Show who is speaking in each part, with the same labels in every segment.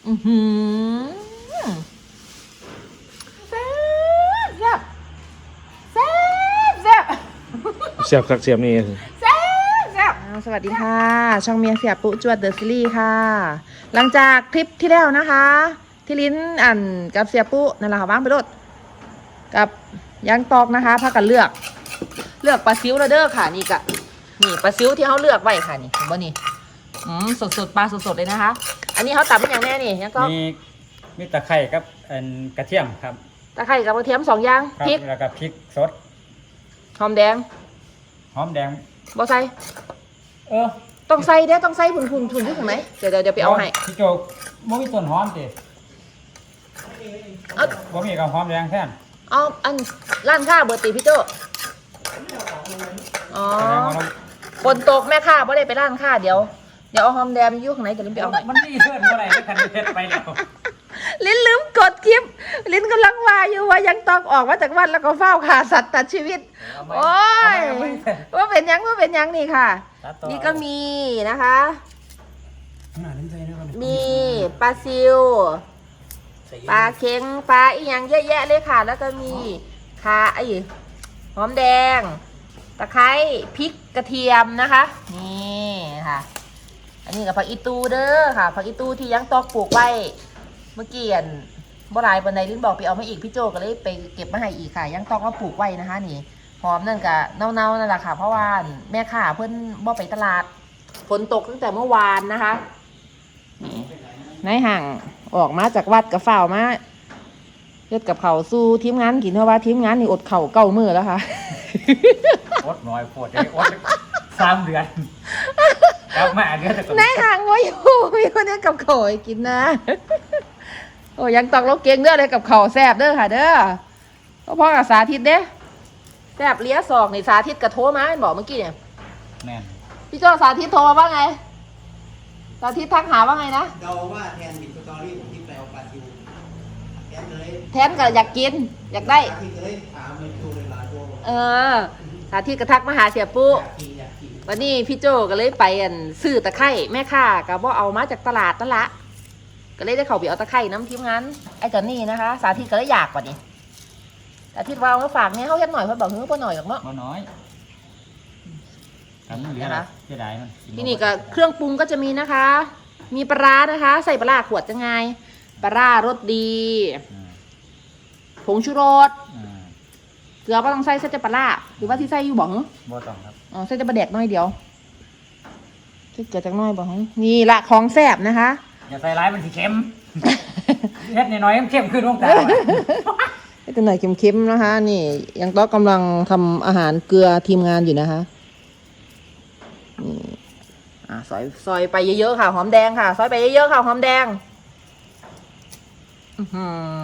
Speaker 1: อือหือแซ่บแซ่บแซ่บแซ่บ
Speaker 2: เสียบคักเสียบนี่
Speaker 1: แซ่บแซ่บสวัสดีค่ะ ช่องเมียเสียปุ๊จวดเดอะซีรีส์ค่ะ หลังจากคลิปที่แล้วนะคะ ที่ลิ้นอันกับเสียปุ๊นั่นแหละค่ะว่างไปรถกับยางตอกนะคะพากันเลือกปลาซิวแล้วเด้อค่ะนี่กะนี่ปลาซิวที่เขาเลือกไว้ค่ะนี่เห็นบ่นี่สดปลาสดเลยนะคะ อันนี้เขาตัดเป็นอย่างแน่นี่ยังก็
Speaker 3: มีตะไคร้กับกระเทียมครับ
Speaker 1: ตะไคร้กับกระเทียม2อย่าง
Speaker 3: ครับ
Speaker 1: พริก
Speaker 3: แล้วก็พริกสด
Speaker 1: หอมแดง
Speaker 3: หอมแดง
Speaker 1: บ่ใส่
Speaker 3: เออ
Speaker 1: ต้องใส่เด้อต้องใส่ทุนที่ถึงไหนเดี๋ยวไปเอาให้
Speaker 3: พี่โจบ่มีต้นหอมติ
Speaker 1: เอา
Speaker 3: บ่มีกับหอมแดงแทน
Speaker 1: เอาอันร้านค้าเบอร์ตีพี่โจอ๋อ
Speaker 3: แสดงว่าเรา
Speaker 1: ฝนตกแม่ค้าบ่ได้ไปร้านค้าเดี๋ยวเอาหอมแดงอยู่ข้างไหนเดี๋ยวลิ้นไปเอาให้
Speaker 3: มันมีเพื่อนบ่ได้คันเฮ็ดไปแล้ว
Speaker 1: ลิ้นลืมกดคลิปลิ้นกำลังว่าอยู่ว่ายังต้องออกมาจากวัดแล้วก็เฝ้าขาสัตว์ตัดชีวิตโอ้ยว่าเป็นยังนี่ค่ะ นี่ก็มีนะคะ มีปลาซิวปลาเค็งปลาอีกอย่างเยอะแยะเลยค่ะ แล้วก็มีข่าหอมแดงตะไคร้พริกกระเทียมนะคะนี่ค่ะอันนี้กับผักอีตูเด้อค่ะผักอีตูที่ยังตอกปลูกไว้เมื่อกี้บ่หลายปานใดลิ้นบอกไปเอามาอีกพี่โจก็เลยไปเก็บมาให้อีกค่ะยังตอกมาปลูกไว้นะคะนี่หอมนั่นกับเน่าๆนั่นแหละค่ะเพราะว่าแม่ค้าเพิ่นบ่ไปตลาดฝนตกตั้งแต่เมื่อวานนะคะนี่นายห่างออกมาจากวัดกับฝ่าวมาเฮ็ดกับเขาวสู้ทีมงานกินเพราะว่าทีมงานนี่อดเข่าเก้ามือแล้วค่ะ
Speaker 3: อดน้อยโพดได้อด3 เดือนกลับมาเดือนแต่ก็
Speaker 1: นายห่างว่าอยู่มีคนเนี้กับเขาวให้กินนะ โอ้ยังตอกเราเก่งเด้อเลยกับเขาวแซ่บเด้อค่ะเด้อพ่อกับสาธิตเด้แซ่บเลี้ยศอกนี่สาธิตกับโทรมาเป็นบอกเมื่อกี้เนี่ย
Speaker 3: แม่น
Speaker 1: พี่โจ้สาธิตโทรมาว่าไงสาธิตทักหาว่าไงนะ
Speaker 4: เดาว่าแทนบิดสตอรี่ผมที่ไปเอาปลาซิวแทนเลย
Speaker 1: แทนก็อยากกินอยากได้
Speaker 4: ที่เคยถามมันดูเวลาตัวบอก
Speaker 1: เออสาธิตก็ทักมาหาเสียปุ๊
Speaker 4: อยากกิน
Speaker 1: วันนี้พี่โจก็เลยไปซื้อตะไคร้แม่ค้าก็บ่เอามาจากตลาดนั่นละก็เลยได้เข้าไปเอาตะไคร้น้ำทีมงานไอ้จอนนี่นะคะ สาธิตก็เลยอยากกว่านี้สาธิตว่าเอามาฝากเนี่ยเขาเฮ็ดหน่อยเพิ่นบอกเฮ้ยบ่หน่อยหรอกเนาะ
Speaker 3: บ่น้อยทำมันเหลือ
Speaker 1: นะคะ
Speaker 3: เสียดายมัน
Speaker 1: ที่นี่ก็เครื่องปรุงก็จะมีนะคะ มีปลาร้านะคะ ใส่ปลาร้าขวดจะไงปลาร้ารสดี
Speaker 3: อืม
Speaker 1: ผงชูรส
Speaker 3: อืม
Speaker 1: เกลือก็ต้องใส่แต่ปลาร้าหรือว่าที่ใส่อยู่บ่เหรอ
Speaker 3: บ่ต้องครับ
Speaker 1: อ๋อใส่แต่ปลาแดกน้อยเดียวใส่เกลือจักน้อยบ่เหรอนี่ละของแซ่บนะคะ
Speaker 3: อย่าใส่ร้ายมันสิเค็ม เฮ็ดน้อยๆมันเค็มขึ้นลงตา
Speaker 1: ให้ตัวหน่อยเค็มๆนะคะ นี่ยังต้องกำลังทำอาหารเกลือทีมงานอยู่นะคะนี่ซอยไปเยอะๆค่ะหอมแดงค่ะซอยไปเยอะๆค่ะหอมแดงอื้อหื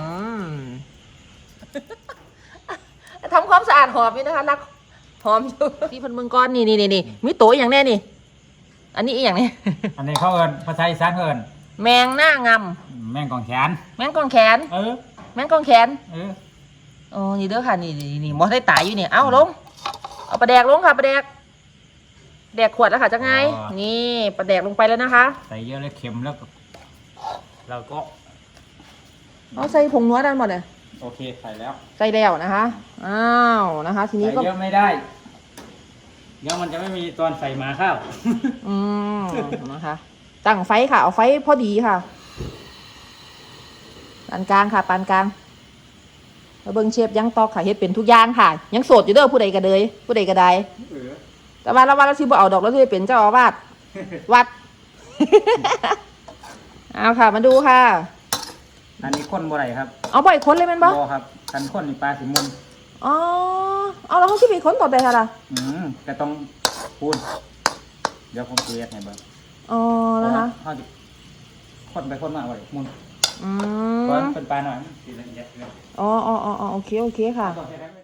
Speaker 1: อ ทำความสะอาดหอมนี่นะคะรักหอมอยู่ที่พันมึงก้อนนี่มีโตอย่างแน่นี่ อันนี้อีกอย่างนี้
Speaker 3: อันนี้เขาเอิ้นภาษาอีสานเขาเอิ้น
Speaker 1: แมงหน้าง
Speaker 3: แม่งกองแขน
Speaker 1: ำแมงกองแขน
Speaker 3: เออ
Speaker 1: แมงกองแขน
Speaker 3: เออ
Speaker 1: โอ้นี่เด้อค่ะนี่หมอได้ตายอยู่เนี่ยเอาลงเอาปลาแดกลงค่ะปลาแดกแดกขวดแล้วค่ะจะไงนี่ปลาแดกลงไปแล้วนะคะ
Speaker 3: ใส่เยอะเลยเค็มแล้วก็เราก็
Speaker 1: เอาใส่ผงนัวด้านหมดเลย
Speaker 3: โอเคใส่แล้ว
Speaker 1: ใส่แล้วนะคะอ้าวนะคะ ทีนี้
Speaker 3: ใส่
Speaker 1: ก็
Speaker 3: เยอะไม่ได้เดี๋ยวมันจะไม่มีตอนใส่หมาข้าว
Speaker 1: อืมนะคะตั้งไฟค่ะเอาไฟพอดีค่ะปานกลางค่ะปานกลางแล้วเบิ้งเชฟยังตอกค่ะเฮ็ดเป็นทุกอย่างค่ะ ยังโสดอยู่เด้อผู้ใดก็เลยผู้ใดก็ได้
Speaker 3: เออ
Speaker 1: แต่ว่าเราสิบ่เอาดอกแล้วสิเป็นเจ้าอาวาสวัด เอาค่ะมาดูค่ะ
Speaker 3: อันนี้ข้นบ่ไรครับ
Speaker 1: เอาบ่อยคนเลยแมันบ่
Speaker 3: บ่ครับกันข้นนี่ปลาสิมุน
Speaker 1: อ๋อเอาแล้วเขาสิไปคนต่อไปค่ะล่ะ
Speaker 3: ก็ต้องพูนเดี๋ยวผมเกลียดให้เบิ่ง
Speaker 1: อ๋อนะคะ
Speaker 3: เขาจะข้นไปข้นมาบ่ได้มุน
Speaker 1: อื
Speaker 3: เพราะ
Speaker 1: ม
Speaker 3: เป็นปลาหน่อยมันสิละเอียดเลย
Speaker 1: อ๋อโอเคค่ะ
Speaker 3: ต้องใช้ได้ไหม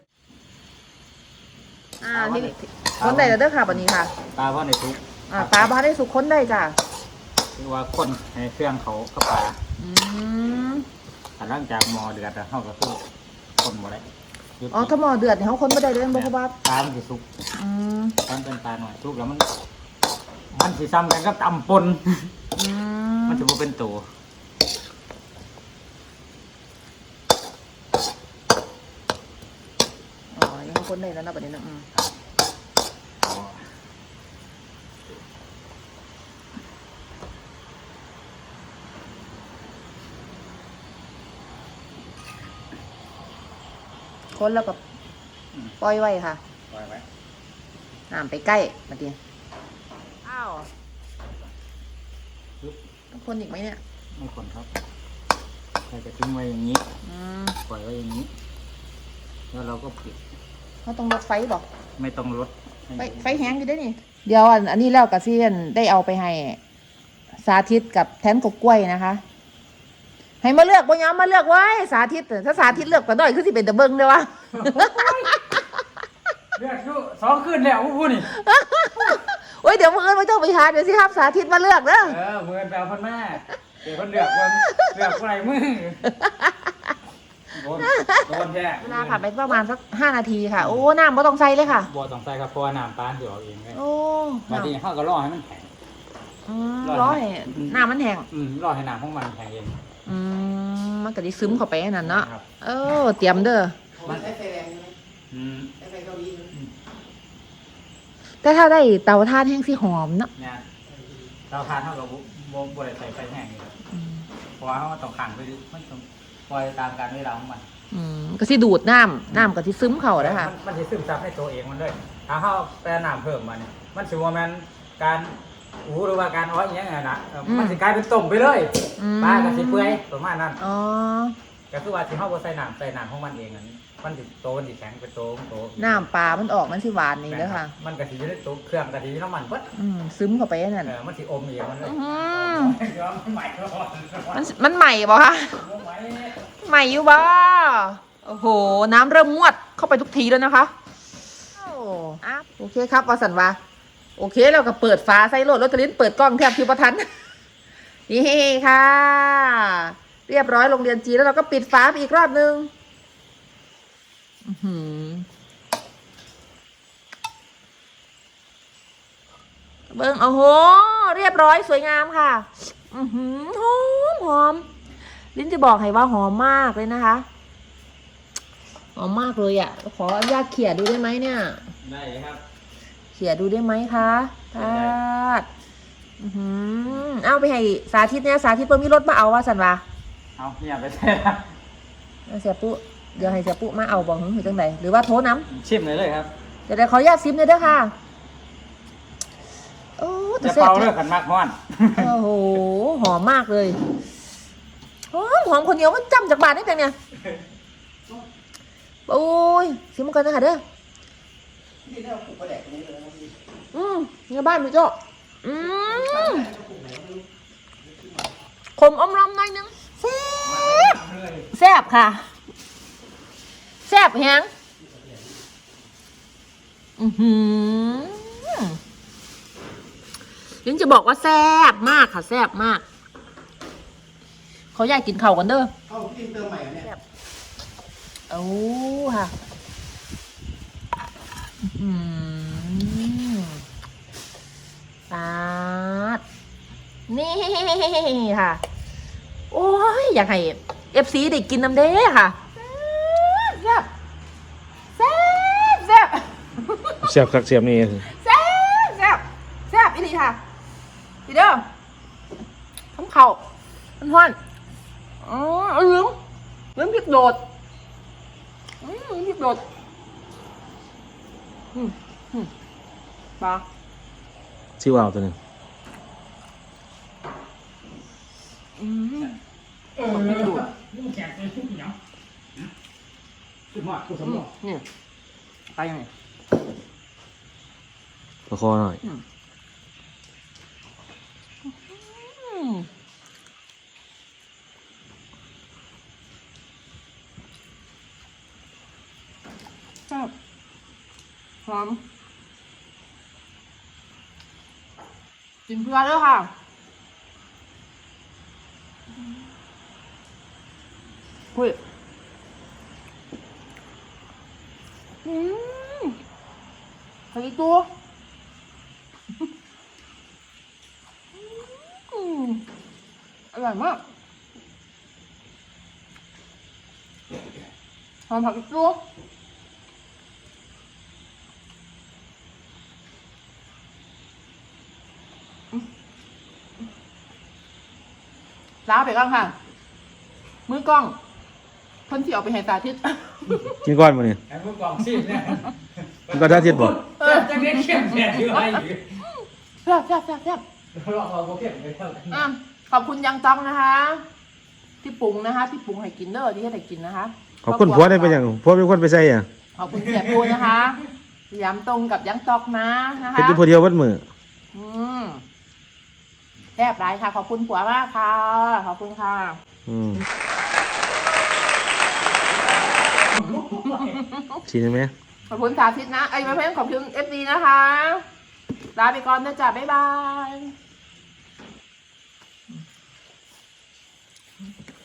Speaker 1: ที่นี่คนได้แล้วเด้อค่ะบัดนี้ค่ะ
Speaker 3: ปลาเพราะในทุก
Speaker 1: ปลาบ้าได้สุกคนได้จ้ะ
Speaker 3: คือว่าข้นให้เครื่องเขาเข้าปลา
Speaker 1: อืม
Speaker 3: แต่หลังจากหมอเดือดแล้วเขาก็คือข้นบ่ได้หยุด
Speaker 1: อ๋อถ้าหม้อเดือดเนี่ยเขาคนไม่ได้เลยบ่ครับ
Speaker 3: ปลามันสิสุก
Speaker 1: อืม
Speaker 3: ตอนเป็นปลาหน่อยสุกแล้วมันสิซ้ำกันกับตำปน
Speaker 1: อื
Speaker 3: มัน
Speaker 1: ม
Speaker 3: จะบ่เป็นตัว
Speaker 1: คนได้แล้วนะประเด็นนะคนแล้วก็ปล่อยไว้ค่ะ
Speaker 3: ปล่อยไว้
Speaker 1: น้ำไปใกล้มาดิอ้าวต้องคนอีกไหมเนี่ย
Speaker 3: ไม่คนครับใครจะทิ้งไว้อย่างนี้ปล่อยไว้อย่างนี้แล้วเราก็ปิด
Speaker 1: เขาต้องลดไฟบอก
Speaker 3: ไม่ต้องลด
Speaker 1: ไฟแห้งอยู่ได้นี่เดี๋ยวอันนี้แล้วกับเซียนได้เอาไปให้สาธิตกับแทนกบกล้วยนะคะ ให้มาเลือกบ่ย้อมมาเลือกไว้สาธิตถ้าสาธิตเลือกก็ด้อยคือสิเป็นตะเบิงเด้อวะ
Speaker 3: เลือกอยู่2 คืนแล้วพูดนี่
Speaker 1: โอ้ยเดี๋ยวมือไม่ต้องไปหาเดี๋ยวสิครับสาธิตมาเลือกเด้อ
Speaker 3: มือแปลคนแม่เดี๋ยวคนเลือกคนเลือกอะไรมือโดนแย่
Speaker 1: เวลาผ่านไปประมาณสัก5 นาทีค่ะโอ้น้ำไม่ต้องใส่เลยค่ะ
Speaker 3: บัวต้องใส่ครับเพราะว่าน้ำตาลเดี๋ยวเอาเองเลย
Speaker 1: โอ้
Speaker 3: บางทีเขาก็รอให้มันแข็ง
Speaker 1: ร้อยน้ำมันแห้ง
Speaker 3: รอให้น้ำของมันแข็งเอง
Speaker 1: มันก็ได้ซึมเข้าไปนั่นเนาะ
Speaker 3: ครับ
Speaker 1: เตรียมเด้อ
Speaker 4: มันใช้ไฟแรงใช่ไหมใช้ไฟเกาหลี
Speaker 1: แต่ถ้าได้เตาถ่านแห้งสิหอมเนาะ
Speaker 3: เนี่ยเราทานเท่ากับบัวใส่ไฟแห้งนี่ครับเพราะว่าเขาต้องขังไปดิมันต้องปล่อยตามการเวลาของมัน
Speaker 1: ก็สิดูดน้ำก็สิซึมเข้าแล้วค่ะ
Speaker 3: มันจะซึมซับในตัวเองมันเลยถ้าเขาแปรน้ำเพิ่มมาเนี่ยมันถือว่ามันการหรือว่าการอ้อยอย่างเงี้ยนะมันจะกลายเป็นต้มไปเลยปลากับสีเปื่อยประมาณนั้นก็คือว่าที่เขาใส่น้ำของมันเองอันนี้มันติดโตมันติดแข็งเป็นโต
Speaker 1: น้ำปลามันออกมันสิหวานนี่เด้อค่ะ
Speaker 3: มันกะทิอยู่ในตัวเครื่องกะทิน้ำมันปั๊บ
Speaker 1: ซึมเข้าไปนั่น
Speaker 3: มันสิอมเองมันเลยมันใหม่
Speaker 1: มันใหม่บ่คะใหม่อยู่บ่โอ้โหน้ำเริ่มงวดเข้าไปทุกทีแล้วนะคะโอเคครับวาสันวาโอเคเราก็เปิดฝาใส่โหลดรถตะลิ้นเปิดกล้องแทบคิวประทันนี่ค่ะเรียบร้อยโรงเรียนจีนแล้วเราก็ปิดฝาไปอีกรอบนึงเบิ้งโอ้โหเรียบร้อยสวยงามค่ะหอมลิ้นจะบอกให้ว่าหอมมากเลยนะคะหอมมากเลยอ่ะขออนุญาตเขี่ยดูได้ไหมเนี่ย
Speaker 3: ได้ครับ
Speaker 1: เขี่ยดูได้ไหมคะทาดเอาไปให้สาธิตเนี่ยสาธิตเพิ่มมีรถมาเอาว่าสันวะ
Speaker 3: เอาเนี่ยไปใช่ครับ
Speaker 1: เสียปุ๊เดี๋ยวให้เสียปุ๊มาเอาบอกหรือจังไหนหรือว่าโทรน้ำ
Speaker 3: ชิมเลยครับ
Speaker 1: เดี๋ยวขออนุญาตซิมเลยเด้อค่ะโอ้
Speaker 3: จะเป่าเลือกกันมากฮ้อน
Speaker 1: โอ้โหหอมมากเลยหอมคนเดียวมันจำจากบาทได้แต่เนี่ยโอ้ยซิมกันนะคะเด้อ
Speaker 4: ที่ได้เอาปลูกกระแดกตรงนี้เลยนะพี่
Speaker 1: เนี่ยบ้านพี่โจ้ขมอมรำหน่อยนึงแซ่บค่ะแซ่บแฮงลิ้นจะบอกว่าแซ่บมากค่ะแซ่บมากเขาอยากกินเข่ากันเด้อ
Speaker 4: เอาพี่เติมใหม่เนี่ย
Speaker 1: โอ้ค่ะปาดนี่ค่ะโอ้ยอยากให้ FC ได้กินน้ำเด้ค่ะแซ่บแซ่บแซ่บ
Speaker 2: เสียบคักเสียบนี่
Speaker 1: แซ่บแซ่บแซ่บอีหลีค่ะพี่เด้อทำเข่ามันฮ้อนลืมพริกโดดพริกโดดปลา
Speaker 2: ซิว่าวตัวหนึง
Speaker 1: พริกโดด
Speaker 3: นี่แข็งเลยทุกอย่างสุดมากสุดสมอง
Speaker 1: นี่ไปยังไง
Speaker 2: ประคอหน่อย
Speaker 1: แซ่บหอมกินเพื่อด้วยค่ะคุยขออีกตัวอร่อยมากหอมผักอีกตัวลาไปก่อนค่ะ มือกล้องเพิ่นที่เอาไปให้สาธิต
Speaker 2: กินก้อนมาเนี่ย
Speaker 3: ไอ้พวกกล่องซีดเนี่ย
Speaker 2: กินก้อนท่าเทียดบ่
Speaker 3: จะเน้นเข้มแข็งอยู่ให้อยู่
Speaker 1: แซ่บ
Speaker 3: เราเอาโปรเข้มไปเท่ากัน
Speaker 1: ขอบคุณยังต้องนะคะ ที่ปรุงนะคะ ที่ปรุงให้กินเด้อที่ให้ได้กินนะคะ
Speaker 2: ขอบคุณผัวได้เป็นอย่างผัวเป็นคนไปใส่อ่ะ
Speaker 1: ขอบคุณเสียปูนะคะย้ำตรงกับยังตอกนะนะคะ
Speaker 2: เป็นตัวเดียววัดมือ
Speaker 1: แซ่บหลายค่ะ ขอบคุณผัวมากค่ะ ขอบคุณค่ะ
Speaker 2: ชิมไหม
Speaker 1: ขอบคุณสาธิตนะไม่เพิ่มขอบคุณFDนะคะลาไปก่อนนะจ๊ะบ๊ายบาย